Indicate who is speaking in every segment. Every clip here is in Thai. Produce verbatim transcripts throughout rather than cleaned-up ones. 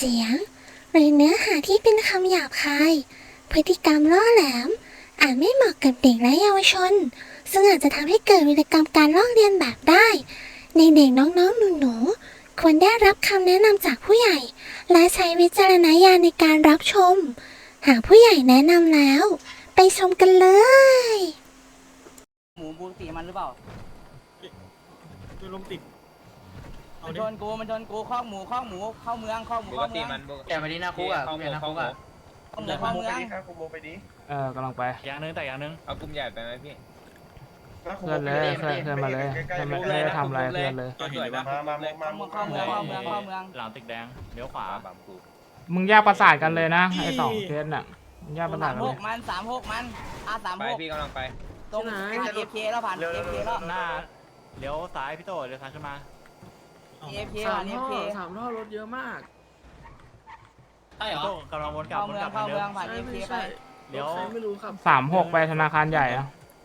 Speaker 1: สียงหรือเนื้อหาที่เป็นคำหยาบคายพฤติกรรมล่อแหลมอาจไม่เหมาะกับเด็กและเยาวชนซึ่งอาจจะทำให้เกิดวิกรรมการลอกเลียนแบบได้ในเด็กน้องๆหนูๆควรได้รับคำแนะนำจากผู้ใหญ่และใช้วิจารณญาณในการรับชมหากผู้ใหญ่แนะนำแล้วไปชมกันเลย
Speaker 2: หมูบูสีมันหรือเปล่า
Speaker 3: คือลมติด
Speaker 2: มันชนกูมันชนกูข้อหมูข้อหมูเข้าเมืองข้อหมูเข้าเมือง
Speaker 4: แกมาดีหน้าคุกอ่ะแกหน้าคุกอ่ะ
Speaker 2: ข้อหมูเข้าเมือง
Speaker 5: กูโมไปดิ
Speaker 6: เออกำลังไป
Speaker 4: อย่างนึงแต่อย่างนึง
Speaker 7: เอากลุ่มใหญ่ไปไหมพี่
Speaker 6: เพื่อนเลยเพื่อนเพื่อนมาเลยไม่ไม่ได้ทำอะไรเพื่อนเลย
Speaker 5: มามามามา
Speaker 2: เข้าเมืองเข้าเมืองเข้าเมือง
Speaker 4: หลังตึกแดงเลี้ยวขวา
Speaker 7: บางกู
Speaker 6: มึงแยกประสาทกันเลยนะไอ้สองเคสน่ะแยกประสาท
Speaker 2: สาม
Speaker 6: กัน
Speaker 2: ห
Speaker 6: เลย
Speaker 2: กมันสามหกมันอาสาม
Speaker 7: ไป
Speaker 2: หก
Speaker 7: พี่กำลังไป
Speaker 2: ตรงผ่านเอฟเคแล้วผ่านเอฟเคแล้ว
Speaker 4: หน้าเลี้ยวซ้ายพี่โตเลี้ยวซ้ายขึ้นมา
Speaker 2: เอฟเค
Speaker 8: สา
Speaker 2: ผ่าม นเอฟ
Speaker 8: ท่อ
Speaker 2: เค
Speaker 8: สามท่อรถเยอะมาก
Speaker 4: ใช่เหรอกำลังวนกลับ
Speaker 2: เข้า
Speaker 4: วน
Speaker 2: เมือก
Speaker 4: ลั
Speaker 2: ง
Speaker 4: บ
Speaker 2: เข้า
Speaker 4: เดิ
Speaker 2: เมือง
Speaker 4: ม
Speaker 2: ผ่านเอฟเคไป
Speaker 4: เลี้ยว
Speaker 8: ไม่รู้ครับ
Speaker 6: สามหกไปธนาคารใหญ่อะ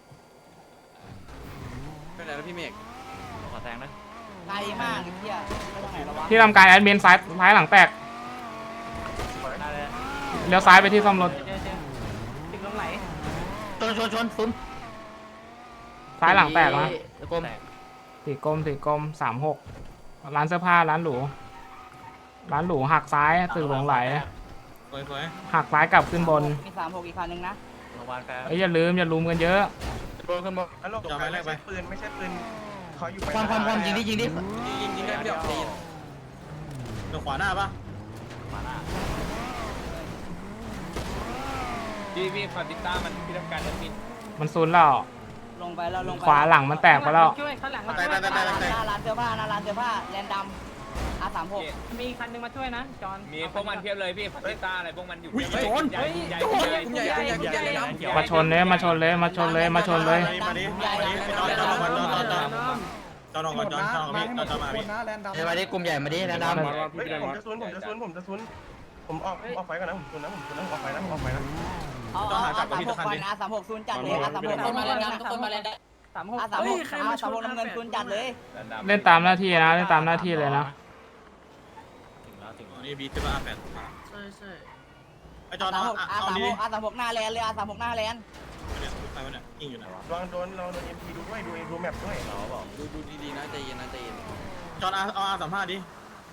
Speaker 3: เป็นไรแล้วพี่เมฆ
Speaker 4: ขอแซงนะ
Speaker 2: ไกลมากไอ้เหี้ยไปทางไหนแล้ววะ
Speaker 6: ที่ทำการแอดมินซ้ายซ้ายหลังแตก
Speaker 4: ได้เลย
Speaker 6: เลี้ยวซ้ายไปที่ซ่อมรถ
Speaker 2: ถึงตรงไหน
Speaker 4: ชนชนชนซุน
Speaker 6: ซ้ายหลังแตกนะ
Speaker 4: กลม
Speaker 6: สี่กลมสี่กลมสามหกร้านเสื้อผ้าร้านหรูร้านหรูหักซ้ายตึกหลงไหล
Speaker 3: สวยสวย
Speaker 6: หักซ้ายกลับขึ้นบน
Speaker 2: มีสามหกอีกคันนึงนะ
Speaker 4: โรงพยาบาลแฟร์
Speaker 6: เอ้ยอย่าลืมอย่าลืมกันเยอะ
Speaker 4: บนขึ้นบน
Speaker 5: ฮัลโหลไม่ใช่ปืนไม่ใช่ปืนเขาอยู่
Speaker 4: ความความความยิงดิยิงดิ
Speaker 3: ยิงยิงได้พี่ดอกตีเดี๋ยวขวาหน้าปะ
Speaker 4: มาหน้า
Speaker 7: พี่พี่ฟาติต้ามันพี่ทำการนักบิน
Speaker 6: มันซูนแล้ว
Speaker 2: ลงไปแล้วลงไป
Speaker 6: ขวาหลังมันแตกไปแล้ว
Speaker 2: ช่วยข้างหลังมาช่วยหน้าร้านเสื้อผ้าหน้าร้านเสื้อผ้าแลนดำอาสามหกมีคันนึงมาช่วยนะจอน
Speaker 7: มีพวกมันเพียบเลยพี่ฟาติต้าอะไรพวกมันอยู่
Speaker 3: โจน
Speaker 7: ใหญ่ใหญ่ใหญ่ใหญ่ใหญ่ใหญ่ใหญ่
Speaker 6: มาชนเลยมาชนเลยมาชนเลยมาชนเลย
Speaker 3: มาดิมาดิจอนจอนจอนจอนจอนจอนก่อนจอนจอนพี่จอนจอนมาพี่
Speaker 4: เฮ้ยมาดิกลุ่มใหญ่มาดิแนะนำ
Speaker 5: ผมจะซุนผมจะซุนผมจะซุนผมออกออกไฟก่อนนะผมซุนนะผมซุนนะออกไฟนะออกไฟนะ
Speaker 2: เอาเอาอาสามหกก่อนอาสามหกซูนจัดเลยอาสามหกคนมาเลยนะทุกคนมาเลยนะสามหกอาสามหกอาสามหกน้ำเงินซูนจัดเลย
Speaker 6: เล่นตามหน้าที่นะเล่นตามหน้าที่เลยนะ
Speaker 4: ถึงแล้วถึงแล้ว
Speaker 3: นี่บีขึ้นมาอาแปด
Speaker 8: ใช่ใช่
Speaker 3: ไอจอ
Speaker 2: อาน สามหกอา
Speaker 3: เอา
Speaker 2: สาม
Speaker 3: ดี
Speaker 2: หกอาสามหกหน้าแลนเลยอาสามหกหน้าแลน
Speaker 3: เนี่ยไปวะเนี่ยยิงอยู่ไหนวะ
Speaker 5: ลองโดนลองโดนเอ็มพีดูด้วยดูดูแมปด้วย
Speaker 3: ดูดูดีๆนะใจเย็นนะใจเย็นจอนเอาเอาอาสามห้าดิ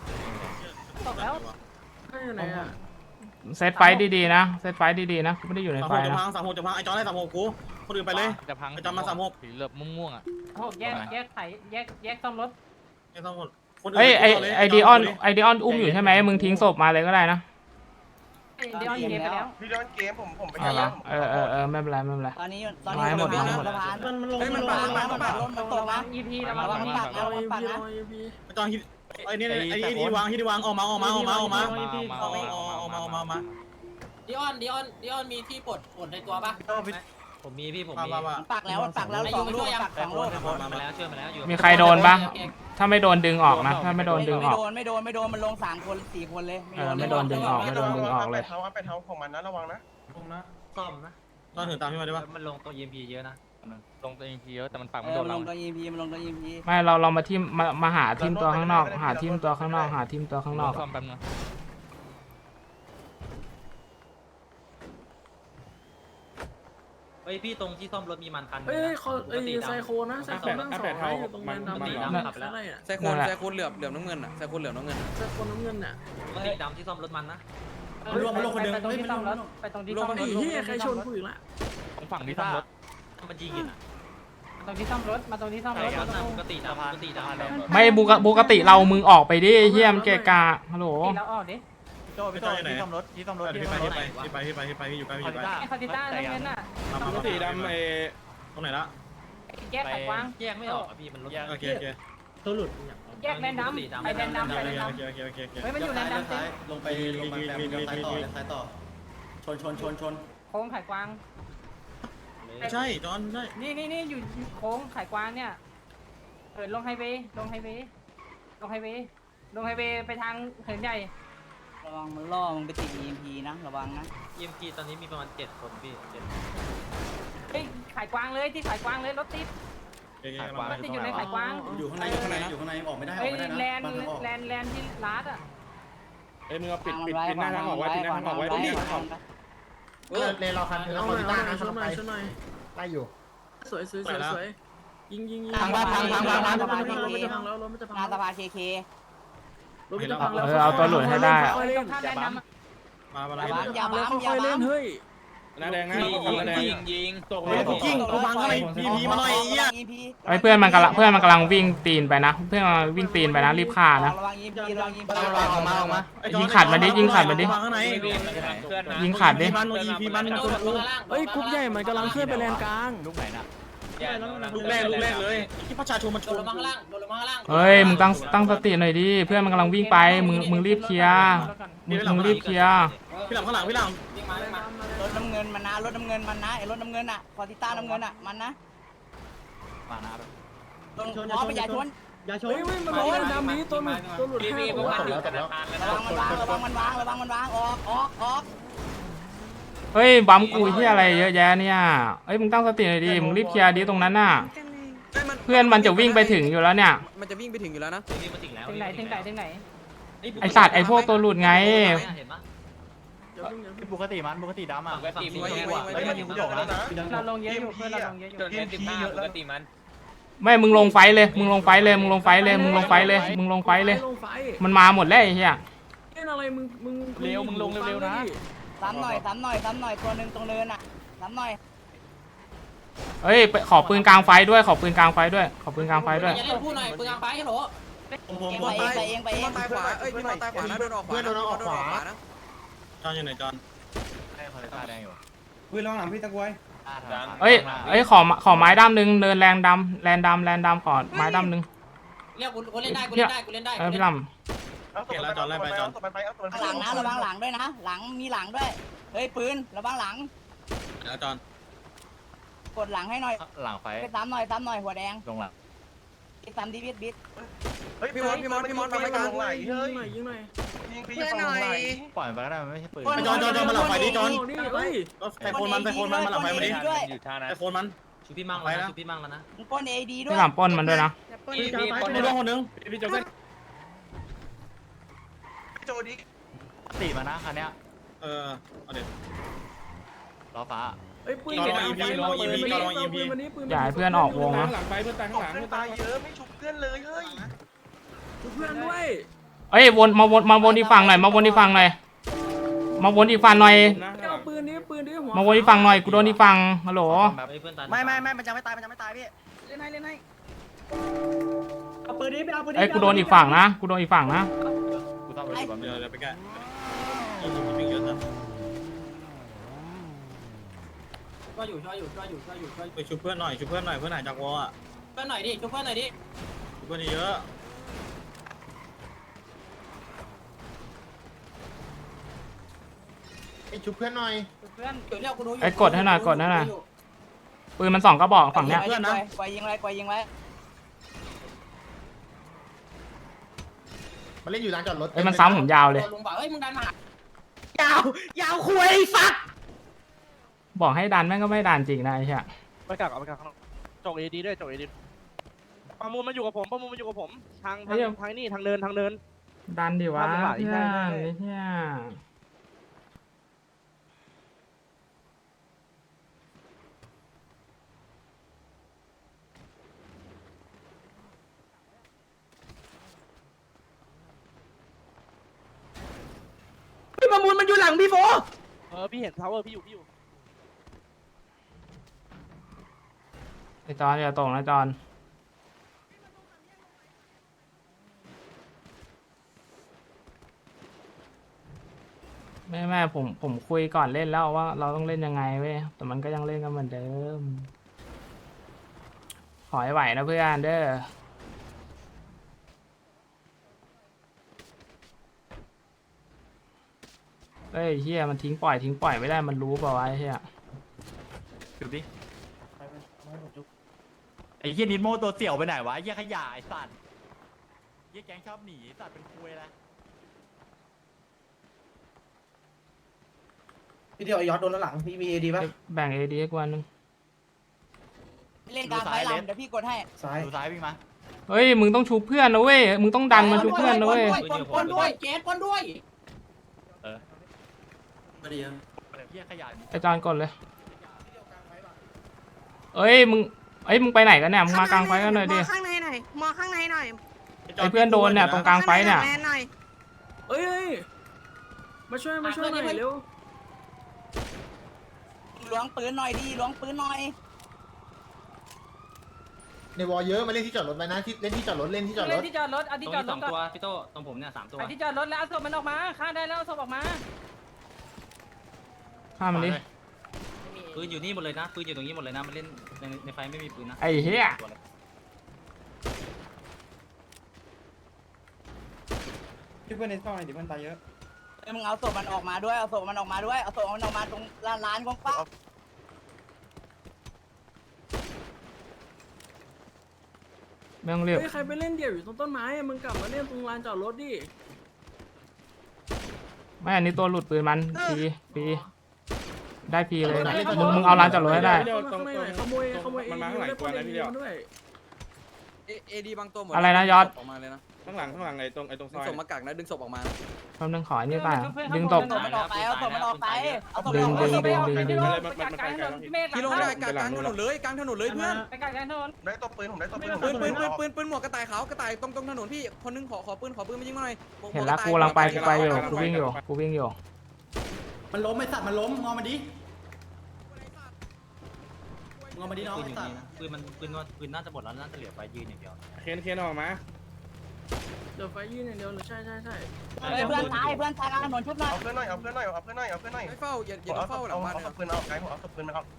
Speaker 8: ให้อยู่ไหนอ่ะ
Speaker 6: เซตไฟดีๆนะเซตไฟดีๆนะไม่ได้อยู่ใน
Speaker 3: สาม
Speaker 6: ไฟ
Speaker 3: หกจะ
Speaker 6: นะ
Speaker 3: พังสามหกจะพังไอจอนได้สามหกกูคนอื่นไปเลย
Speaker 4: จะพัง
Speaker 3: ไอจอนมาสามหก
Speaker 4: ผีเหลือบม่วงๆอ่ะ
Speaker 2: หกแยกแยกไถแยกแยกซ่อมรถ
Speaker 3: ไอสามหกคน
Speaker 6: เอ้ยไอไอดีออนไอดีออนอุ้มอยู่ใช่ไหมมึงทิ้งศพมาเลยก็ได้นะ
Speaker 2: เดี๋ยวเกมไปแล้ว
Speaker 5: พี่โดนเกมผมผมไป
Speaker 6: เอาละเออเออเออไม่เป็นไรไม่เป็นไร
Speaker 2: ตอนนี้ตอนนี้สะพานสะพานมันมันลงมันลงมันมันมันตกนะ อี พีระวังมันปักนะ
Speaker 8: เอา
Speaker 2: ระวั
Speaker 8: เอ็
Speaker 2: ง
Speaker 8: ม
Speaker 2: ปัก
Speaker 8: พี
Speaker 2: นะ
Speaker 8: เอาเอ็มพี
Speaker 3: ไอจอนฮิตไอนี่ไอไอที่วางที่วางออกมาออกมาออกมาออกมาออกมาออกมาออกมาออกมา
Speaker 9: ดิออนดิออนดิออนมีที่ปลดปลดในตัวปะ
Speaker 4: ผมมีพี่ผม
Speaker 3: มา
Speaker 4: มี
Speaker 3: มามา
Speaker 2: ปักแล้วปักแล้วสองลูกปักสองลูก
Speaker 4: มาแล้วช่วยมาแล้วอยู่
Speaker 6: มีใครโดนปะถ้าไม่โดนดึงออกนะถ้าไม่โดนดึงออก
Speaker 2: ไม่โดนไม่โดนไม่โดนมันลงสามคนสี่คนเลย
Speaker 6: เออไม่โดนดึงออกไม่โดนดึงออกเลย
Speaker 5: เท้าไปเท้าของมันนะระวังนะ
Speaker 3: ลงนะ
Speaker 4: ซ่อมนะ
Speaker 3: ตอนถึงตามพี่มาได้ปะ
Speaker 4: มันลงตัว อี เอ็ม พี เยอะนะลงตัว อี เอ็ม พี เยอะแต่มันปัก
Speaker 2: เอ
Speaker 4: ไม่
Speaker 2: อ
Speaker 4: โดน
Speaker 2: มันล
Speaker 4: เรา
Speaker 2: งตัว อี พีมันลงตัว อี พี
Speaker 6: ไม่เราเรามาทีมมามาหาทีมตัวข้างนอก หาทีมตัวข้างนอกหาทีมตัวข้างนอก
Speaker 4: ซ่อมแป๊บนึง เฮ้ยพี่ตรงที่ซ่อมรถมีมันคัน
Speaker 8: เอ้ยเขาเอ้ยไซโคนะไซโคนั่งสองไว้อยู่ตรงแมนดำอะไรอ่ะ
Speaker 3: ไซโคนไซโคนเหลือบเหลือบน้ำเงินอ่ะไซโคนเหลือบน้ำเงิน
Speaker 8: ไซโคน้ำเงินอ่ะ
Speaker 4: ปกติดำที่ซ่อมรถมันนะ
Speaker 2: รวมรวมคนเดิมไปตรงที่ซ่อมรถไปตรงที่ซ่อมรถ
Speaker 8: ไอ้เหี้ยใครชนกูอีกละ
Speaker 4: ตรงฝั่งที่ซ่อมรถมันยิงอ่ะ
Speaker 2: ตรงที่ซ่อมรถมาตรงที่ซ่อมรถ
Speaker 4: ปกติดำปกติดำ
Speaker 6: ไม่บุกบุกติเรามึงออกไปดิเฮียมเกะกะฮัลโหล
Speaker 2: แล้วออกดิ
Speaker 3: โจ้พี่โจ้ที่ซ่อมรถที่ซ่อมรถที่ไปที่ไปที่ไปที่ไปที่ไปที่อยู่ใกล้อยู่ใกล้
Speaker 2: ไอ้คาติต้าน้ำเงินน่ะ
Speaker 3: ปกติดำเอตรงไหนละ
Speaker 2: แยกไข่กวาง
Speaker 4: แยกไม่ออกพี่มันรถ
Speaker 3: โอเคโอเค
Speaker 8: ตัวหลุด
Speaker 2: แยกแลนดำไปแลนดำไปแลนดำ
Speaker 3: โอเคโอเคโอเคโอเค
Speaker 2: เฮ้ยมันอยู่แลนดำเต็ม
Speaker 9: ลงไปลงไปแบบเลี้ยวซ้ายต่อเลี้ยวซ้ายต่อชนชนชนชน
Speaker 2: โค้งไข่กวาง
Speaker 3: ใช่จอนใช่
Speaker 2: นี่นี่นี่อยู่โค้งไข่กวางเนี่ยเออลงไฮเวย์ลงไฮเวย์ลงไฮเวย์ลงไฮเวย์ไปทางเหินใหญ่ระวังมันล่อมึงไปติด อี เอ็ม พี นะระวังนะ
Speaker 4: อี เอ็ม พี ตอนนี้มีประมาณเจ็ดคนพี่เจ็ด
Speaker 2: เฮ้ยไข่กวางเลยที่ไข่กวางเลยรถติด
Speaker 3: โอเค
Speaker 2: มันจะอยู่ในไข่กวาง
Speaker 9: อยู่ข้างในอยู่ข้างในอยู่ข้างในออกไม่ได้ออ
Speaker 2: เฮ้
Speaker 9: ก
Speaker 2: ย
Speaker 9: ไม่ได้นะ
Speaker 2: แลน
Speaker 9: บ้านทางออก
Speaker 2: แลนแลนที่ร้านอ่ะ
Speaker 7: เอ้ยมึงเอาปิดปิดปิดหน้าทางออกไว้ปิดหน้าทางออกไว้ปิดหน้าทางออก
Speaker 9: เออเลนรอคันนึงแล้ว
Speaker 8: เอา
Speaker 9: ค
Speaker 8: ห
Speaker 9: น
Speaker 8: น่อย
Speaker 9: ที่
Speaker 8: เอา
Speaker 9: ตั้ง
Speaker 8: หน่อย
Speaker 9: นะ
Speaker 8: ช่วยหน่อยช่วยหน่อย
Speaker 9: ไล่อยู่
Speaker 8: สวยสวยสวยสวยยิงยิงยิง
Speaker 2: พังพังพังพังพังพัง
Speaker 8: รถมันจะพังแล้วรถมันจะพัง
Speaker 2: หน้าสภาเคเค
Speaker 8: รถมันจะพังแล้ว
Speaker 6: เออเอาตัวหลุดให้ได้
Speaker 8: ค่อยๆเล่น
Speaker 2: ข้ามแดนนำ
Speaker 3: มามา
Speaker 2: อย่า
Speaker 3: ไล่
Speaker 2: บังอย่าบังอย่า
Speaker 8: ค่อยๆ
Speaker 2: บั
Speaker 8: เล่
Speaker 2: ง
Speaker 8: นเฮ้ย
Speaker 7: หน้าแดงนะ
Speaker 4: ยิง
Speaker 7: หน้าแดง
Speaker 4: ยิงยิง
Speaker 7: ตกเล
Speaker 3: เฮ้ย
Speaker 7: ย
Speaker 3: กูกิ้งกูบังอะไรพีพีมาหน่อยไอ้เหี้ย
Speaker 6: ไอ้ยเพื่อนมันกำลังเพื่อนมันกำลังวิ่งตีนไปนะ เพื่อนมันวิ่งตีนไปนะรีบฆ่านะ
Speaker 2: ระวังยิงพีระวังยิงพี
Speaker 9: ออกมาออกมา
Speaker 6: ยิงขัดมันดิยิงขัดมันดิ
Speaker 3: บังข้างใน
Speaker 7: เพื่อนนะ
Speaker 6: ยิงขาดดิ
Speaker 3: พีมันอีพีมันคนกู
Speaker 8: เอ้ยกรุ๊ปใหญ่มันกำลังเคลื่อนไปแลนกลาง
Speaker 4: ลูกไหนน่ะ
Speaker 3: ลูกแรกลูกแรกเลยที่ประชาชนมันช
Speaker 2: โดน
Speaker 3: น
Speaker 2: ลงมาข้างล่างโดนลงมาข้างล่าง
Speaker 6: เฮ้ยมึงตั้งตั้งสติหน่อยดิเพื่อนมันกำลังวิ่งไปมึงมึงรีบเคลียร์มึงมึงรีบเคลียร์
Speaker 3: พี่หลังข้างหลังพี่หลัง
Speaker 2: วิ่งมาวิ่งมารถน้ำเงินมันนะรถน้ำเงินมันนะไอ้รถน้ำเงินอ่ะคอติต้าน้ำเงินอ่ะมันนะ
Speaker 4: มานะ
Speaker 2: ตรงล้อไปอย่าชน
Speaker 3: อย่าชน
Speaker 8: เฮ้ยเว้ยมันโดนน้ำนี้ตัวหลุดตัวหลุด
Speaker 7: พี่
Speaker 8: ห้า
Speaker 7: พี่พ
Speaker 8: ตัว ว
Speaker 7: กมันอยู่ธนาคารแล้ว
Speaker 2: ระวังมันวางระวังมันวางระวังมันวางออกออกออก
Speaker 6: เฮ้ยบัมกูที่อะไรเยอะแยะเนี่ยเอ้ยมึงตั้งสติหน่อยดิมึงรีบเคลียร์ดิตรงนั้นน่ะเพื่อนมันจะวิ่งไปถึงอยู่แล้วเนี่ย
Speaker 4: มันจะวิ่งไปถึงอยู่แล้วนะวิ่งมาถึงแล้ว
Speaker 2: ถึงไหนถึงไหนถึงไหน
Speaker 6: ไอสัตว์ไอพวกตัวหลุดไง
Speaker 4: เห็นปะ
Speaker 9: ปกติมันปกติดำอ่ะ
Speaker 7: ปกติมึง
Speaker 5: เฮ้ยมันยิงเยอะแล้วนะ
Speaker 2: เราลงเยอะอยู่เพื่อนเราลงเยอะอยู่
Speaker 7: เกินเป็นสิบห้าปกติมัน
Speaker 6: ไม่มึงลงไฟเลยมึงลงไฟเลยมึงลงไฟเลยมึงลงไฟเลยมึงลงไฟเลย
Speaker 8: ลงไฟ
Speaker 6: มันมาหมดแล้วไอ้เหี้ย
Speaker 8: เล่นอะไรมึงมึง
Speaker 4: เร็วมึงลงเร็วๆนะ
Speaker 2: ซ้ำหน่อยซ้ำหน่อยซ้ำหน่อยตัวหนึ่งตรงเนินอ่ะซ้ำหน่อย
Speaker 6: เอ้ยไปขอปืนกลางไฟด้วยขอปืนกลางไฟด้วยขอปืนกลางไฟด้วย
Speaker 2: อย่าเล่นพูดหน่อยปืนกลางไฟฮัลโหล
Speaker 3: ผมผม
Speaker 2: เองไปเองไปเองไปเอง
Speaker 4: ตายขวาเอ้ยพี่มอตายขวานะโดนออกขวานะ
Speaker 3: จอนอยู่ไหนจอน
Speaker 4: ได้คอเลต้าแดงอยู่
Speaker 9: วิ่งลงหลังพี่ตะกวย
Speaker 6: เอ้ยเอ้ยขอขอไม้ด้ามหนึ่งเดินแรงดำแรงดำแรงดำก่อนไม้ด้ามหนึ่ง
Speaker 2: เรียกกูกูเล่นได้กูเล่นได้กูเล่นได้
Speaker 6: เออพี่ล
Speaker 5: เอาตัวไปไปเอาตัวไปไปเอาตัวไป
Speaker 2: หลังนะระวังหลังด้วยนะ หลังมีหลังด้วยเฮ้ยปืนระวังหลัง
Speaker 3: แล้วจอน
Speaker 2: กดหลังให้หน่อย
Speaker 4: หลังไฟ
Speaker 2: ไปซ้ำหน่อยซ้ำหน่อยหัวแดง
Speaker 4: ลงหลัง
Speaker 2: บิดซ้ำดิบิดบิด
Speaker 5: เฮ้ยพี่มอนพี่มอนพี่มอนมาไม่กลางไหล
Speaker 8: ยิ
Speaker 5: เฮ้ย
Speaker 8: งหน่อยยิงหน่อย
Speaker 5: ยิงพี่จะฟังไหล
Speaker 4: ปล่อยมันไปก็ได้มันไม่ใช่ปืน
Speaker 3: จอนจอนจอนมาหลังไฟดิจอน
Speaker 8: โนี่เฮ้ย
Speaker 3: ไฟโคนมันไฟโคนมันมาหลังไฟมาดิ
Speaker 7: อยู่ท่านั้น
Speaker 3: ไฟโคนมัน
Speaker 4: ชูพี่มั่งแล้วนะชูพี่มั่งแล้วนะ
Speaker 2: มึงป้นเอดี
Speaker 6: ำ
Speaker 2: ด้วย
Speaker 6: พี่ลำปล้นมันด้วยนะ
Speaker 7: พี่พี่
Speaker 3: คนนึงคนนึง
Speaker 7: พี่โจ๊กเส้น
Speaker 5: โจดิ
Speaker 4: ตีมานะคันเนี้ย
Speaker 3: เออเอาเด็ด
Speaker 4: ล้อฟ้า
Speaker 8: เฮ้ยปืนปืนวันนี้ปืน
Speaker 6: อย่าให้เพื่อนออกวง
Speaker 7: ข้า
Speaker 6: นะ
Speaker 7: งหลังไปเพื่อนตายข้างหลัง
Speaker 5: เพื่อนตายเยอะไม่ชุบเพื่อนเลยเฮ้ย
Speaker 8: เพื่อนด้วย
Speaker 6: เอ้ยวนมาวนมาวนอีกฝั่งหน่อยมาวนอีกฝั่งหน่อยมาวนอีกฝั่งหน่อย
Speaker 8: เอาปืนนี้ปืนนี้หัว
Speaker 6: มาวนอีกฝั่งหน่อยกูโดนอีกฝั่งฮัลโหล
Speaker 2: ไม่ไม่ไม่มันจะไม่ตายมันจะไม่ตายพี่เล่นให้เล่นให้
Speaker 3: เอาปืนนี้ไปเอาปืนนี้
Speaker 6: เอ้ยกูโดนอีกฝั่งนะกูโดนอีกฝั่งนะ
Speaker 4: กูต้องไปดู
Speaker 3: เดี๋ยวเดี๋ยวไปแก้ยิงยิงเยอะนะ
Speaker 2: ช่วยอยู่ช่วยอยู่ช่วยอยู่ช่วยอยู่ช่วย
Speaker 3: ไปชุบเพื่อนหน่อยชุบเพื่อนหน่อยเพื่อนหายจากวออ่ะ
Speaker 2: เพื่อนหน่อยดิช่วยเพื่อนหน่อยดิ
Speaker 3: ชุบเพื่อนเยอะ
Speaker 9: ไอ้ชุบเพื่อนหน่อย
Speaker 2: เพื่อนเดี๋ยวเรียกกูดูอยู่
Speaker 6: ไอ้ยกดให้หน่อยกดให้หน่อยปืนมันสองกระบอกฝั่งเนี้ย
Speaker 2: เพื่อนนะปล่อยยิงไว้ปล่อยยิงไว้
Speaker 9: มันเล่นอยู่ร้านจอดรถ
Speaker 6: เอ้ยมันซ้ำผมยาวเลย
Speaker 2: ลุงบอกเฮ้ยมึงดันมายาวยาวคุยสัตว์
Speaker 6: บอกให้ดันแม่งก็ไม่ดันจริงนะไอ้เหี้ย
Speaker 5: ไปกักเอาไปกักจกเอดีด้วยจกเอดีประมูลมาอยู่กับผมประมูลมาอยู่กับผมทางทางทางนี่ทางเดินทางเดิน
Speaker 6: ดันดิวะ
Speaker 5: ดันดีกว่า
Speaker 6: เพื่
Speaker 5: ใช่
Speaker 6: อน
Speaker 5: ใช่
Speaker 6: ไอ้เหี้ย
Speaker 2: พี่ประมูลมันอยู่หลังพี่โฟ
Speaker 5: เออพี่เห็นทาวเวอร์พี่อยู่พี่อยู่
Speaker 6: ไอ้จอนอย่าตกนะจอนแม่แม่ผมผมคุยก่อนเล่นแล้วว่าเราต้องเล่นยังไงเว้ยแต่มันก็ยังเล่นกันเหมือนเดิมขอให้ไหวนะเพื่อนเด้อเฮ้ยเฮียมันทิ้งปล่อยทิ้งปล่อยไม่ได้มันรู้เปล่าวะไอ้เฮีย
Speaker 4: ดูดิไอ้เหี้ยนิดโมตัวเสี่ยวไปไหนวะไอ้เหี้ยขยะไอ้สัตว์เหี้ยแก๊งชอบหนีสัตว์เป็นคุยอะไร
Speaker 9: พี่เดียวยอดโดนแล้วหลังพี่มีเอดีป่ะ
Speaker 6: แบ่งเอดีให้กวนนึง
Speaker 2: เล่นกลางไฟลำเดี๋ยวพี่กดให้
Speaker 9: ซ้าย
Speaker 4: ดูซ้ายวิ่งมา
Speaker 6: เฮ้ยมึงต้องชูเพื่อนนะเว้ยมึงต้องดันมันชูเพื่อนนะเว้ย
Speaker 2: ปนด้วยเกสปนด้วย
Speaker 9: มาดีครับ
Speaker 4: เหี้ยขยะ
Speaker 6: ไอจอนกดเลยเอ้ยมึงเอ้ยมึงไปไหนกันเนี่ยมึงมากลางไฟกันหน่อยดิ
Speaker 10: มองข้างในหน่อยมองข้างในหน่อย
Speaker 6: ไอเพื่อนโดนเนี่ยตรงกลางไฟเนี่ย
Speaker 10: แมนหน่อย
Speaker 8: เอ้ยเอ้ยมาช่วยมาช่วยหน่อยเร็ว
Speaker 2: ล้วงปืนหน่อยดิล้วงปืนหน่อย
Speaker 9: ในวอลเยอะมาเล่นที่จอดรถไปนะที่เล่นที่จอดรถเล่นที่จอดร
Speaker 2: เล่น
Speaker 9: ถ
Speaker 2: ที่จอดรถเอาที่จอดรถก่อน
Speaker 7: พี่โตตรงผมเนี่ยสามตัว
Speaker 2: ไอ้ที่จอดรถแล้วเอาศพมันออกมาฆ่าได้แล้วเอาศพออกมา
Speaker 6: ฆ่ามันดิ
Speaker 7: ปืนอยู่นี่หมดเลยนะปืนอยู่ตรงนี้หมดเลยนะมันเล่นในในไฟไม่มีปืนนะ
Speaker 6: ไอ้เหี้ย
Speaker 3: ที่เพื่อนในซอยดิเพื่อนตายเยอะ
Speaker 2: มึงเอาศพมันออกมาด้วยเอาศพมันออกมาด้วยเอาศพมันออกมาตรงร้านร้านกว้าง
Speaker 6: ไม่ต้องเรียก
Speaker 8: เฮ้ยใครไปเล่นเดี่ยวอยู่ตรงต้นไม้อะมึงกลับมาเล่นตรงลานจอดรถดิ
Speaker 6: ไม่อันนี้ตัวหลุดปืนมันฟรีฟรีได้ฟรีเลยนะมึงมึงเอาร้านจอดรถให้ได้
Speaker 8: ข้างในหน่อยขโมยขโมยมันมาข้างหลังกวนนะพี่เดียวด้วย
Speaker 2: เอดีบางตัวหมด
Speaker 6: อะไรนะยอด
Speaker 2: ออกมาเลยนะ
Speaker 3: ข้างหลังข้างหลังไอ้ตรงไอ้ตรงซอย
Speaker 2: ศพมากักนะดึงศพออกมา
Speaker 6: แป๊บนึงขออันนี้ก่อนดึงตบ
Speaker 2: เอาศพมันออกไปเอาศพมันออกไปเอาศพ
Speaker 6: ดึ
Speaker 2: มัน
Speaker 6: ง
Speaker 2: ออกไป
Speaker 6: ดึงดึงดึงดึง
Speaker 3: มันมันมันไปไกลแล้วพี่
Speaker 2: พี่ลงได้กลางถนนเลยกลางถนนเลยเพื่อนไปกลางถนน
Speaker 9: ได้ตัวปืนผมได้ตัวปืน
Speaker 2: ปืนปืนปืนปืนปืนหมวกกระต่ายขาวกระต่ายตรงตรงถนนพี่คนนึงขอขอปืนขอปืนมายิงหน่อย
Speaker 6: เห็นแล้วกูกำลังไปกูไปอยู่กูวิ่งอยู่กูวิ่งอยู่
Speaker 9: มันล้มไอ้สัตว์มันล้มงอมันดิงอมันดิน้อง
Speaker 7: ปืนอ
Speaker 9: ไอ้
Speaker 7: ยู่
Speaker 9: สัต
Speaker 7: นี่
Speaker 9: ว์
Speaker 7: นะปืนมันปืนปืนน่าจะหมดแล้วน่าจะเหลือไฟยืนอย่างเดียว
Speaker 3: เคนเคนออกมา
Speaker 8: เดี๋ยวไฟยืนอย่างเดียวเลยใช่ใช่ใช่
Speaker 2: เพื่อนตายเพื่อนตายกลางถนนชุบหน่อย
Speaker 9: เอาเพื่อนหน่อยเอาเพื่อนหน่อยเอาเพื่อนหน่อยเอาเพื่อนหน่อย
Speaker 2: ไม่เฝ้าอย่าอย่าเฝ้าหลังบ้าน
Speaker 9: เอาปืนเอาไกด์ผมเอาปืนมาเอา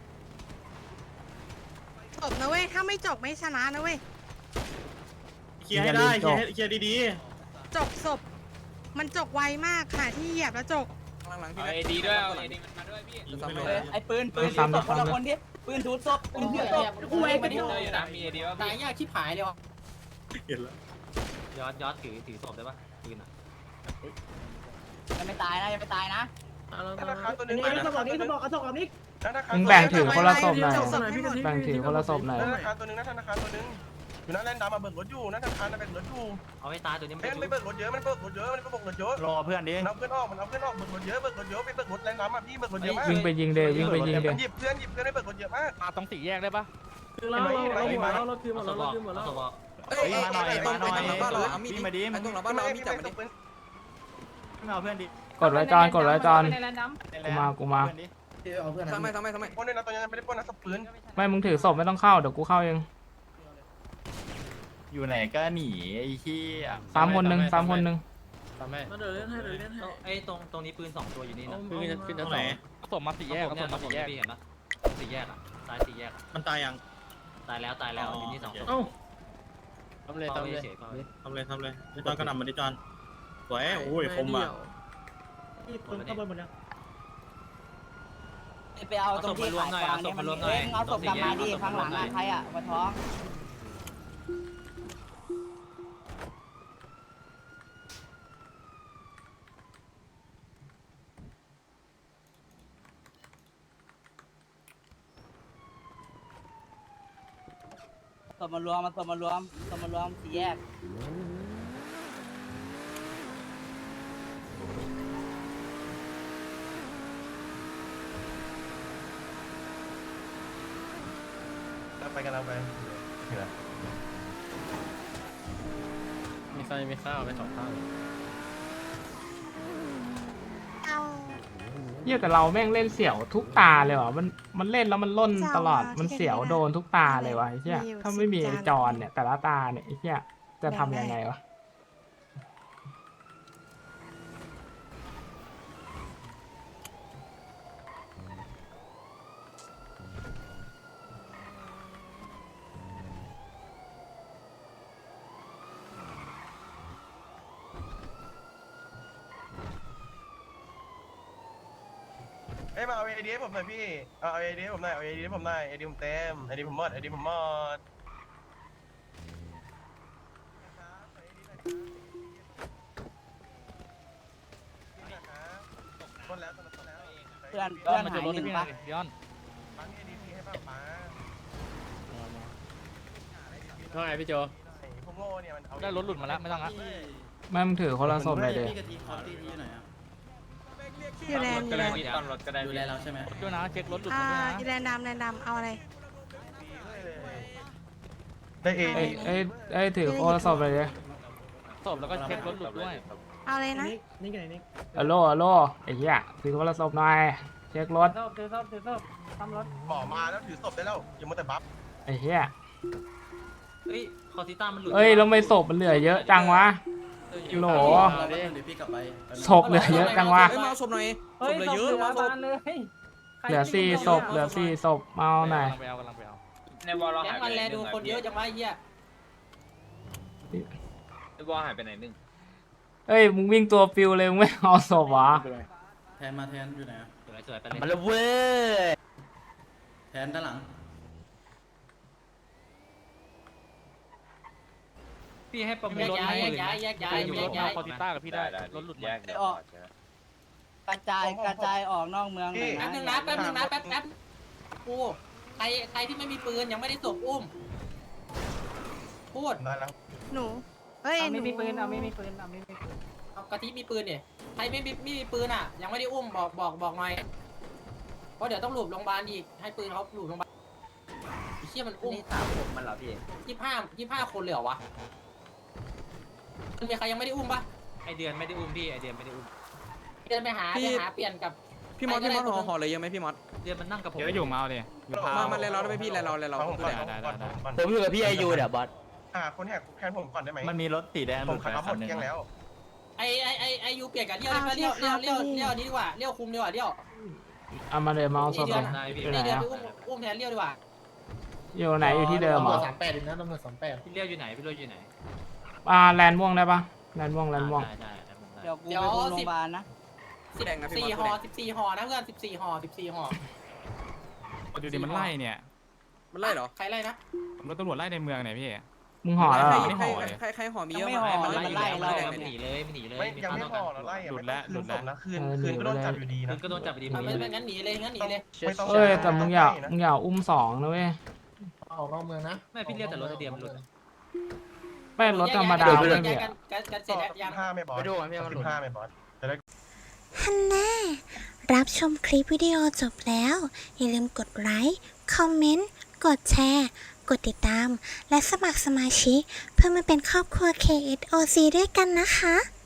Speaker 10: จบนะเว้ยถ้าไม่จบไม่ชนะนะเว้ย
Speaker 3: เคลียร์ให้ได้เคลียร์เคลียร์ดี
Speaker 10: จบศพมันจกไวมากค่ะที่เหยียบแล้วจก
Speaker 2: หลังๆ
Speaker 7: เอา
Speaker 2: พี่
Speaker 7: เอดีด้วยเอาเอดีมันมาด้วยพี่
Speaker 2: ไอ้ปืนปืนถือศพคนละคนดิปืนถือศพปืนถือศพ
Speaker 7: กูเองไม่ได้เลยอยู่นะมีเอดีว่า
Speaker 2: ตายยากชิบหายเลย
Speaker 3: เห็นแล้ว
Speaker 7: ยอดยอดถือถือศพได้ปะปืนอ่ะ
Speaker 2: ยังไม่ตายนะยังไม่ตายนะ
Speaker 8: เอาแล้ว
Speaker 9: ธนาคารตัวนึง
Speaker 8: นี่ก็บอกนี่ก็บอกเอาส่งออกนี่
Speaker 6: มึงแบ่งถือคนละศพหน่อย
Speaker 8: ส่งหน่อยพี่กะทิ
Speaker 6: แบ่งถือคนละศพหน่อย
Speaker 9: ธนาคารตัวนึงนะธนาคารตัวนึงอยู่นั่นแลนด์ดามาเบิกรถอยู่นั่นธนาคารน่ะเบิกรถอยู่
Speaker 7: เอาให้ตายตัวนี้มัน
Speaker 9: เอ้ยมันไม่เบิกรถเยอะมันเบิกรถเยอะมันเบิกรถเยอะ
Speaker 4: รอเพื่อนดิ
Speaker 9: มันเอาเพื่อนออกมันเอาเพื่อนออกเบิกรถเยอะเบิกรถเยอะไปเบิกรถแลนด์ดามาพี่เบิกรถเยอะมาก
Speaker 6: วิ่งไปยิงเดวิ่งไปยิงเด
Speaker 9: หยิบเพื่อนหยิบเพื่อนไปเบิกรถเยอะมาก
Speaker 5: มาตรงสี่แยกได้ปะ
Speaker 8: คือเราเราเราหมดแล้วเราคือหมด
Speaker 7: เอาศ
Speaker 8: แล้ว
Speaker 7: พอ
Speaker 8: เราคือหมด
Speaker 7: เอา
Speaker 8: แล้ว
Speaker 7: ศพออก
Speaker 2: เอ้ยมาหน่อยมาหน่อยบ้านเราเอามีด
Speaker 4: วิ่งมาดิ
Speaker 2: ไอ้ตรงหลังบ้านเราเอามีดจับมันดิ
Speaker 4: ไม่เอาเพื่อนดิ
Speaker 6: กดไว้จอนกดไว้จอนกูมากูมา
Speaker 9: เอาเพื่อน
Speaker 2: ทำไมทำไมทำไม
Speaker 9: ปนด้วยนะตอนนี้ไม่ได้ปนนะสปืน
Speaker 6: ไม่มึงถือศพไม่ต้องเข้าเดี๋ยวกูเข้าเอง
Speaker 4: อยู่ไหนก็หนีไอ้ขี้
Speaker 6: สามคนหนึ่งสามคนหนึ่ง
Speaker 8: มาเดี๋ยวเล่นให้เดี๋ยวเล่นให้
Speaker 7: ไอ้ตรงตรงนี้ปืนสองตัวอยู่นี่นะ
Speaker 8: คือจะขึ้น
Speaker 3: ตรงไหน
Speaker 5: ศพมาสี่แยก
Speaker 7: ผม
Speaker 5: เอาศ
Speaker 7: เนี่ย
Speaker 5: พมาสี่แยก
Speaker 7: พี่เห็นปะสี่แยกอ่ะซ้ายสี่แยกอ่ะ
Speaker 3: มันตายยัง
Speaker 7: ตายแล้วตายแล้วอยู่นี่สองศพ
Speaker 8: เอ้า
Speaker 7: ทำเลยทำเลยเฉย
Speaker 3: ทำเลยทำเลยดิจอนกระหน่ำมาดิจอนสวยโอ้ยคมอ่ะ
Speaker 2: ไปเอาตรงที่ขายกวางเนี่ยมันเอ้ยเอาศพกลับมาดิข้างหลังอ่ะใครอ่ะมาท้องศพมารวมมาศพมารวมศพมารวมสี่แยก
Speaker 9: ไปกันเราไป
Speaker 7: มีไฟมีข้าวไปสองข้าว
Speaker 10: เอา
Speaker 6: เหี้ยแต่เราแม่งเล่นเสี่ยวทุกตาเลยว่ะมันมันเล่นแล้วมันล่นตลอดมันเสี่ยวโดนทุกตาเลยวะไอ้เหี้ยถ้าไม่มีไอ้จอนเนี่ยแต่ละตาเนี่ยไอ้เหี้ยจะทำยังไงวะ
Speaker 9: เอ้ยมาเอาไอเดียผมหน่อยพี่เอาไอเดียผมหน่อยเอาไอเดียผมหน่อยไอเดียผมเต็มไอเดียผมหมดไอเดียผมหมด หมดแล้วหมดแล้ว
Speaker 2: เพื่อนเพื่อนหายหนึ่งปะ
Speaker 5: ย้อน
Speaker 9: ปั๊มเอดีพีให้ป้าป้า
Speaker 7: ว่าไงพี่โจ
Speaker 9: ไอ้พวกโง่เนี่ยมันเอา
Speaker 5: ได้รถหลุดมาแล้วไม่ต้องละ
Speaker 6: ไม่มึงถือคนละศพเลยเด
Speaker 9: พี่กะทิคอตีทีหน่อยอ่ะ
Speaker 10: อยู่แลนด์อยู่แลนด์
Speaker 7: ต้อนรถก็ได้
Speaker 4: ดูแลเราใช่ไหม
Speaker 5: ด้วยนะเช็ครถหลุด
Speaker 10: อ่า
Speaker 5: ด้วยนะ
Speaker 10: อยู่แลนด์ดำแลนด์ดำเอาอะไร
Speaker 9: ได้เอ
Speaker 6: เอ้ยเอ้ยเอ้ยถือโทรศัพท์ไปเลย
Speaker 5: ศพแล้วก็เช็ครถหลุดด้วย
Speaker 10: เอาอะไรนะ
Speaker 8: นี่ไงนี่
Speaker 6: ฮัลโหลฮัลโหลไอ้เหี้ยถือโทรศัพท์หน่อยเช็ครถ
Speaker 2: ถือศพถือศพถือศพทำรถ
Speaker 9: หมอมาแล้วถือศพได้แล้วอย่ามัวแต่บัฟ
Speaker 6: ไอ้เหี้ย
Speaker 7: เฮ้ยคอติต้ามันหลุด
Speaker 6: เอ้ยแล้วไม่ศพมันเหลือเยอะจังวะโหลศพเหลือเยอะจังวะ
Speaker 2: มาศพหน่อยเฮ้ยศพเหลือบ้านเลย
Speaker 6: เหลือสี่ศพเหลือสี่ศพเอาหน่อย
Speaker 5: กำลังไปเอากำลังไปเอา
Speaker 7: ในวอลเราหายไป
Speaker 2: มันแลดูคนเยอะจังวะไอ้เหี้ย
Speaker 7: ในวอลหายไปไหนหนึ่ง
Speaker 6: เอ้ยมึงวิ่งตัวปิวเลยมึงไม่เอาศพวะ
Speaker 4: แทนมาแทนอยู่ไหน
Speaker 7: สวยสวยไปเลย
Speaker 5: มาเลยเว้ย
Speaker 4: แทนด้านหลัง
Speaker 7: พี่ให้ประมู
Speaker 2: แย
Speaker 7: ล
Speaker 2: ก
Speaker 7: รถ
Speaker 2: ย้าย
Speaker 7: ให้หม
Speaker 2: แย
Speaker 7: ด
Speaker 2: ก
Speaker 7: เลย
Speaker 2: ย้าย
Speaker 7: นะ
Speaker 2: แยกย้าย
Speaker 5: อยู่
Speaker 2: แย
Speaker 5: ร
Speaker 2: ก
Speaker 5: ถ
Speaker 2: ย้าย
Speaker 5: คอติต้ากับพี่ได้รถหลุด
Speaker 7: แยก
Speaker 2: ออกกระจายกระจายออกนอกเมืองหน่อยนะแป๊บนึงนะแป๊บนึงนะแป๊บแป๊บกูใครใครที่ไม่มีปืนยังไม่ได้ศพอุ้มพูด
Speaker 9: ได้แล้ว
Speaker 10: หนูเอ้ย
Speaker 2: เอาไม่มี
Speaker 10: ห
Speaker 2: ปืนเอาไม่มีปืนเอาไม่มีปืน
Speaker 11: เอากะทิมีปืนเนี่ยใครไม่มีไม่มีปืนอ่ะ ยังไม่ได้อุ้มบอกบอกบอกหน่อยเพราะเดี๋ยวต้องหลุดโรงพยาบาลอีกให้ปืนเขาหลุดโรงพยาบาลไอ้เชี่ยมันอุ้ม
Speaker 2: นี่สามผมมันเหรอพี่
Speaker 11: ยี่ห้ายี่ห้าคนเลยเหรอวะมันมีใครยังไม่ได้อุ้มปะ
Speaker 7: ไอเดือนไม่ได้อุ้มพี่ไอเดือนไม่ได้อุ้ม
Speaker 11: เดินไปหาไปหาเปลี่ยนกับ
Speaker 2: พี่มอสพี่มอสห่อห่อเลยยังไหมพี่มอส
Speaker 7: เดือนมันนั่งกับผม
Speaker 4: เดี๋ยวอยู่มาเอาดิ
Speaker 2: มามาเลยเราได้ไหมพี่เลยเราเลยเรา
Speaker 9: ผมก่อนผมก่อนผมก่อน
Speaker 5: ผมอยู่กับพี่ไอยูเดี๋ยวบอส
Speaker 9: อ่าคนแหกแคนผมก่อนได้ไหม
Speaker 4: มันมีรถสีแดงห
Speaker 9: ผ
Speaker 4: ลุ
Speaker 9: ม
Speaker 4: ด
Speaker 9: ขั
Speaker 4: ไป
Speaker 9: บหม
Speaker 4: คั
Speaker 9: ด
Speaker 4: นหนึ่ง
Speaker 9: เกลี้ยงแล้ว
Speaker 11: ไอไอไอไอยูเปลี่ยนกับเลี้ยวได้ปะเลี้ยวเลี้ยวเลี้ยวเลี้ยวนี้ดีกว่าเลี้ยวคุมดีกว่าเลี้ยว
Speaker 6: เอามาเลยมาเอาศพ
Speaker 11: นี่
Speaker 6: เลย
Speaker 11: เดือน
Speaker 6: อยู่ไหน
Speaker 11: นี่เดือน
Speaker 6: อะ
Speaker 11: ไปอุ้มอุ้มแทนเลี้ยวดีกว่า
Speaker 6: อยู่ไหนอยู่ที่เดิมเหรอ
Speaker 8: สามแปดดินะตำรวจสามแปด
Speaker 7: พี่เลี้ยวอยู่ไหนพี่เลี้ยวอยู่ไหน
Speaker 6: อ่าแลนด์ม่วงได้ปะแลนด์ม่วงแลนด์ม่วง
Speaker 7: ได้ได้ได้ผมได้
Speaker 2: เดี๋ยวกูไปคุมโรงพยาบาลนะ
Speaker 11: สิบสี่ห่อสิบสี่ห่อนะเพื่อนสิบสี่ห่อสิบสี่ห่อ
Speaker 4: ดูดิมันไล่เนี่ย
Speaker 2: มันไล่เหรอ
Speaker 11: ใครไล่นะ
Speaker 4: รถตำรวจไล่ในเมืองไหนพี่
Speaker 6: มึงห่อแล้วเหรอ
Speaker 4: ไม่ห่อเลย
Speaker 2: ใครใครห่อมีเยอะ
Speaker 11: ไม่ห่อ
Speaker 2: มัน
Speaker 11: มัน
Speaker 2: ไล่
Speaker 11: ไล่
Speaker 2: เรา
Speaker 11: เรา
Speaker 7: มันหนีเลยมันหนีเลย
Speaker 9: ไม่ยังไม่พอเราไล่อะไม่ต้องคืนศพนะคืนคืนก็โดนจับอยู่ดีนะ
Speaker 7: ก็โดนจับไปดี
Speaker 11: ไม่ไม่งั้นหนีเลยงั้นหนีเลย
Speaker 9: ไม่ต้อง
Speaker 6: เอ้ยแต่มึงอย่ามึงอย่าอุ้มสองนะเว้ย
Speaker 8: ออกนอกเมืองนะ
Speaker 7: ไม่พี่เลี้ยวแต่รถไอเดียมันหลุด
Speaker 6: ไม่รถธรรมดา
Speaker 11: แย
Speaker 6: ไม่
Speaker 11: ก
Speaker 6: มี
Speaker 11: ย้ายกั
Speaker 6: อะ
Speaker 11: นกันกันเสร็จแล้วยัง
Speaker 9: ห้าไม่บอส
Speaker 5: ไปดูกันพี่มันหลุ
Speaker 9: สิ
Speaker 5: ด
Speaker 9: บห้าไม่บอสจะได้
Speaker 1: ฮันน่ารับชมคลิปวิดีโอจบแล้ว อย่าลืมกดไลค์ คอมเมนต์ กดแชร์ กดติดตาม และสมัครสมาชิก เพื่อมาเป็นครอบครัว เค เอส โอ ซี ด้วยกันนะคะ